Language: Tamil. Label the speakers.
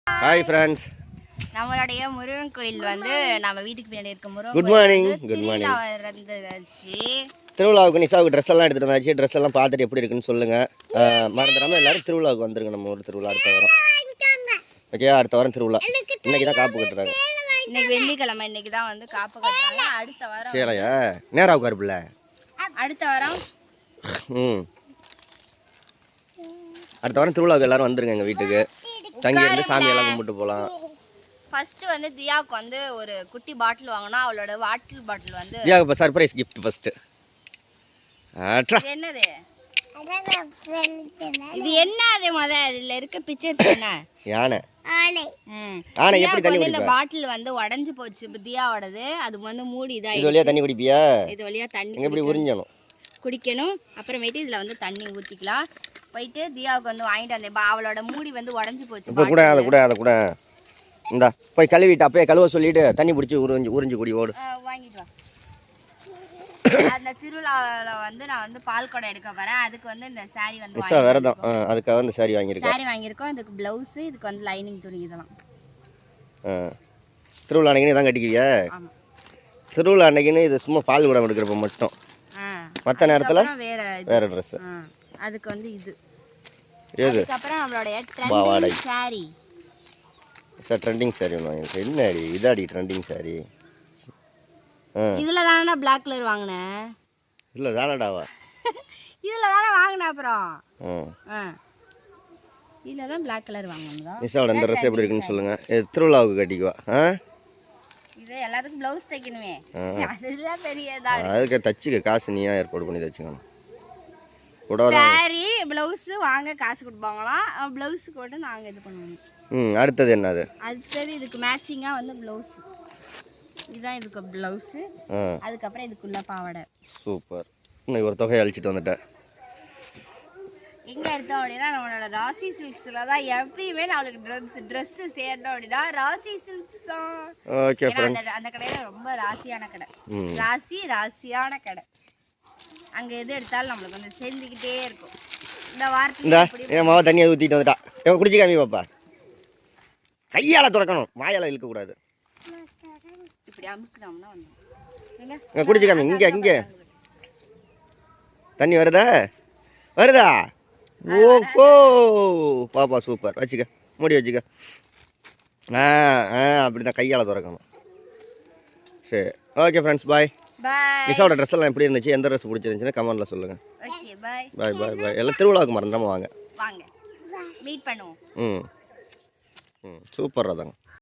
Speaker 1: Hi friends.
Speaker 2: நம்மளுடைய முருகன் கோயில் வந்து நம்ம வீட்டுக்கு பின்னாடி இருக்க Murugan.
Speaker 1: Good morning. Good morning. திருவிழாவுக்கு நிசாவுக்கு ட்ரெஸ் எல்லாம் எடுத்துட்டு வந்தாச்சு. ட்ரெஸ் எல்லாம் பார்த்துட்டு எப்படி இருக்குன்னு சொல்லுங்க. மறந்துடாம எல்லாரும் திருவிழாவுக்கு வந்துருங்க. நம்ம ஊர் திருவிழா அடுத்த வாரம். ஓகே, அடுத்த வாரம் திருவிழா. இன்னைக்கு தான் காப்பு கட்டுறாங்க.
Speaker 2: இன்னைக்கு வெள்ளிக்கிழமை. இன்னைக்கு தான் வந்து காப்பு கட்டுறாங்க. அடுத்த வாரம்
Speaker 1: சரியா நேரா உட்காருப்புல. அடுத்த வாரம் அடுத்த வாரம் திருவிழாவுக்கு எல்லாரும் வந்துருங்க எங்க வீட்டுக்கு. தங்கி வந்து சாமியெல்லாம் கும்பிட்டு போகலாம்.
Speaker 2: ஃபர்ஸ்ட் வந்து தியாவுக்கு வந்து ஒரு குட்டி பாட்டில் வாங்கினா அவளோட வாட்டர் பாட்டில் வந்து
Speaker 1: தியாவுக்கு சர்ப்ரைஸ் கிஃப்ட் ஃபர்ஸ்ட்.
Speaker 2: என்னது இது? என்ன அது இதுல இருக்க பிக்சர்ஸ் என்ன?
Speaker 1: யானை.
Speaker 2: ஆனை எப்படி தண்ணி குடிப்பா? இந்த பாட்டில் வந்து உடைஞ்சு போச்சு தியாவோடது. அது வந்து மூடி இதா.
Speaker 1: இது வழியா தண்ணி குடிப்பியா?
Speaker 2: இது வழியா தண்ணி
Speaker 1: எப்படி உறிஞ்சணும்
Speaker 2: குடிக்கணும். அப்புறமேட்டு இதுல வந்து தண்ணி ஊத்திக்கலாம். போயிட்டு தியாவுக்கு வந்து வாங்கிட்டு வந்தேன். அவளோட மூடி வந்து உடைஞ்சு போச்சு.
Speaker 1: இப்போ கூட அதை கூட இந்தா போய் கழுவிட்டு அப்பயே கழுவ சொல்லிட்டு தண்ணி பிடிச்சி உறிஞ்சு குடி ஓடு.
Speaker 2: வாங்கிட்டு வா. அந்த திருவிழாவில் வந்து நான் வந்து பால் குடம் எடுக்க போறேன். அதுக்கு வந்து இந்த சாரி வந்து
Speaker 1: விரதம். அதுக்காக வந்து சாரி வாங்கியிருக்கோம்.
Speaker 2: சாரி வாங்கியிருக்கோம். இதுக்கு பிளவுஸ், இதுக்கு வந்து லைனிங் துணி இதெல்லாம்.
Speaker 1: திருவிழா அன்னைக்குன்னு தான் கட்டிக்குவியா?
Speaker 2: ஆமாம்.
Speaker 1: திருவிழா அன்னைக்குன்னு இது சும்மா பால் குடம் எடுக்கிறப்ப மட்டும். மற்ற நேரத்தில் வேற ட்ரெஸ்.
Speaker 2: அதுக்கு வந்து இது.
Speaker 1: ஏது?
Speaker 2: அப்புறம் நம்மளுடைய trending sari.
Speaker 1: Sir trending sari ஒன்று வாங்கியிருக்கேன். என்னடி இதாடி ட்ரெண்டிங் சாரி?
Speaker 2: இதில் தானே பிளாக் கலர் வாங்கினேன்.
Speaker 1: இல்லை தானடாவா?
Speaker 2: இதில் தானே வாங்கினேன். அப்புறம் இதில் தான் பிளாக் கலர் வாங்கணும்.
Speaker 1: நிஷாவோட இந்த ட்ரெஸ் எப்படி இருக்குன்னு சொல்லுங்க. திருவிழாவுக்கு கட்டிக்குவா.
Speaker 2: இது எல்லாத்துக்கும் ப்ளவுஸ் தைக்கணுமே. அதெல்லாம் பெரியதா.
Speaker 1: அதுக்கு தச்சுக்க காசு நீயா ஏற்பாடு பண்ணி தச்சுக்கணும்.
Speaker 2: சாரி ப்ளவுஸ் வாங்க காசு கொடுப்பாங்களாம். ப்ளவுஸ் கூட நாங்கள் இது பண்ணுவோம்.
Speaker 1: அடுத்தது என்னது?
Speaker 2: அடுத்தது இதுக்கு மேட்சிங்காக வந்து ப்ளவுஸ். இதுதான் இதுக்கு ப்ளவுஸ். அதுக்கப்புறம் இதுக்குள்ள பாவாடை.
Speaker 1: சூப்பர். இன்னைக்கு ஒரு தொகையை அழிச்சிட்டு வந்துட்டேன்.
Speaker 2: எங்கே எடுத்தோம் அப்படின்னா நம்மளோட ராசி சில்க்ஸில் தான் எப்பயுமே நம்மளுக்கு ட்ரெஸ்ஸு சேரணும் அப்படின்னா ராசி சில்க்ஸ் தான்.
Speaker 1: ஓகே
Speaker 2: அந்த கடையில் ரொம்ப ராசியான கடை. ராசியான கடை. அங்கே எது எடுத்தாலும் நம்மளுக்கு வந்து சேர்ந்துக்கிட்டே இருக்கும். இந்த வாரத்தில்
Speaker 1: என் மாவா தண்ணியை ஊற்றிட்டு வந்துட்டா. குடிச்சு காமி பாப்பா. கையால் துறக்கணும், வாயால் இழுக்கக்கூடாது.
Speaker 2: இப்படி அமுக்கணும்னா வந்து
Speaker 1: குடிச்சு காமி. இங்கே தண்ணி வருதா? ஓஹோ பாப்பா சூப்பர். வச்சுக்க, மூடி வச்சுக்க. அப்படி தான் கையால் துறக்கணும். சரி, ஓகே ஃப்ரெண்ட்ஸ், பாய். நிஷாவோட ட்ரெஸ் எல்லாம் எப்படி இருந்துச்சு? எந்த ட்ரெஸ் பிடிச்சிருந்துச்சுன்னு கமெண்ட்ல சொல்லுங்க.
Speaker 2: Okay, bye.
Speaker 1: பாய். எல்லாம் திருவிழாவுக்கு மறந்துடாம வாங்க.
Speaker 2: மீட் பண்ணுவோம்.
Speaker 1: சூப்பர். அதாங்க.